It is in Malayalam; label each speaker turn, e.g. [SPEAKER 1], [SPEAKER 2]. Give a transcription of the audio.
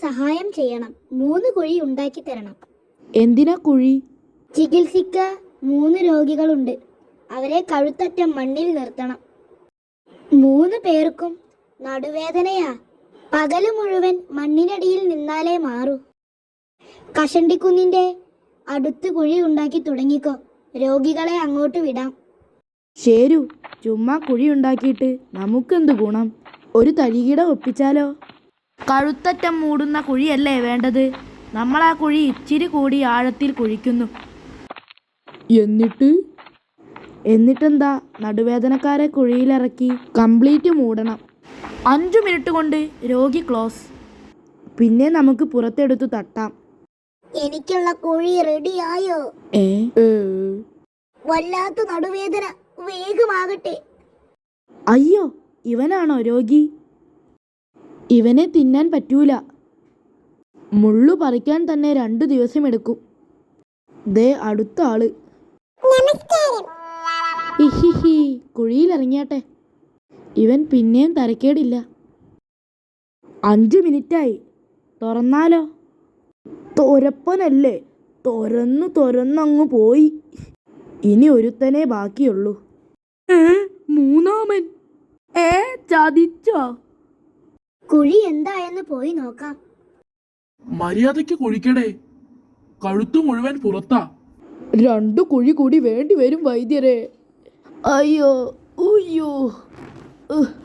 [SPEAKER 1] സഹായം ചെയ്യണം. 3 കുഴി ഉണ്ടാക്കി തരണം.
[SPEAKER 2] എന്തിനാ കുഴി?
[SPEAKER 1] ചികിത്സിക്ക 3 രോഗികളുണ്ട്. അവരെ കഴുത്തറ്റം മണ്ണിൽ നിർത്തണം. 3 പേർക്കും നടുവേദനയാ. പകല് മുഴുവൻ മണ്ണിനടിയിൽ നിന്നാലേ മാറൂ. കഷണ്ടിക്കുന്നിന്റെ അടുത്ത് കുഴി ഉണ്ടാക്കി തുടങ്ങിക്കോ. രോഗികളെ അങ്ങോട്ട് വിടാം.
[SPEAKER 2] ശരു, ചുമ്മാ കുഴി ഉണ്ടാക്കിയിട്ട് നമുക്കെന്ത് ഗുണം? ഒരു തരികിട ഒപ്പിച്ചാലോ? കഴുത്തറ്റം മൂടുന്ന കുഴിയല്ലേ വേണ്ടത്? നമ്മൾ ആ കുഴി ഇച്ചിരി കൂടി ആഴത്തിൽ കുഴിക്കുന്നു. എന്നിട്ടെന്താ? നടുവേദനക്കാരെ കുഴിയിലിറക്കി കംപ്ലീറ്റ് മൂടണം. 5 മിനിറ്റ് കൊണ്ട് രോഗി ക്ലോസ്. പിന്നെ നമുക്ക് പുറത്തെടുത്തു തട്ടാം.
[SPEAKER 1] എനിക്കുള്ള കുഴി റെഡിയായോ? വല്ലാത്ത നടുവേദന, വേഗമാകട്ടെ.
[SPEAKER 2] അയ്യോ, ഇവനാണോ രോഗി? ഇവനെ തിന്നാൻ പറ്റൂല. മുള്ളു പറിക്കാൻ തന്നെ 2 ദിവസം എടുക്കും. ദേ അടുത്ത ആള്. ഹിഹിഹി, കുഴിയിലിറങ്ങിയാട്ടെ. ഇവൻ പിന്നെയും തരക്കേടില്ല. 5 മിനിറ്റായി. തുറന്നാലോ? തോരപ്പനല്ലേ, തുറന്നങ്ങു പോയി. ഇനി ഒരുത്തനെ ബാക്കിയുള്ളൂ. മൂന്നാമൻ. ചതിച്ചോ?
[SPEAKER 1] കുഴി എന്തായെന്ന് പോയി നോക്കാം.
[SPEAKER 3] മര്യാദയ്ക്ക് കുഴിക്കടേ, കഴുത്തു മുഴുവൻ പുറത്താ.
[SPEAKER 2] 2 കുഴി കൂടി വേണ്ടി വരും വൈദ്യരെ. അയ്യോ, ഉയ്യോ.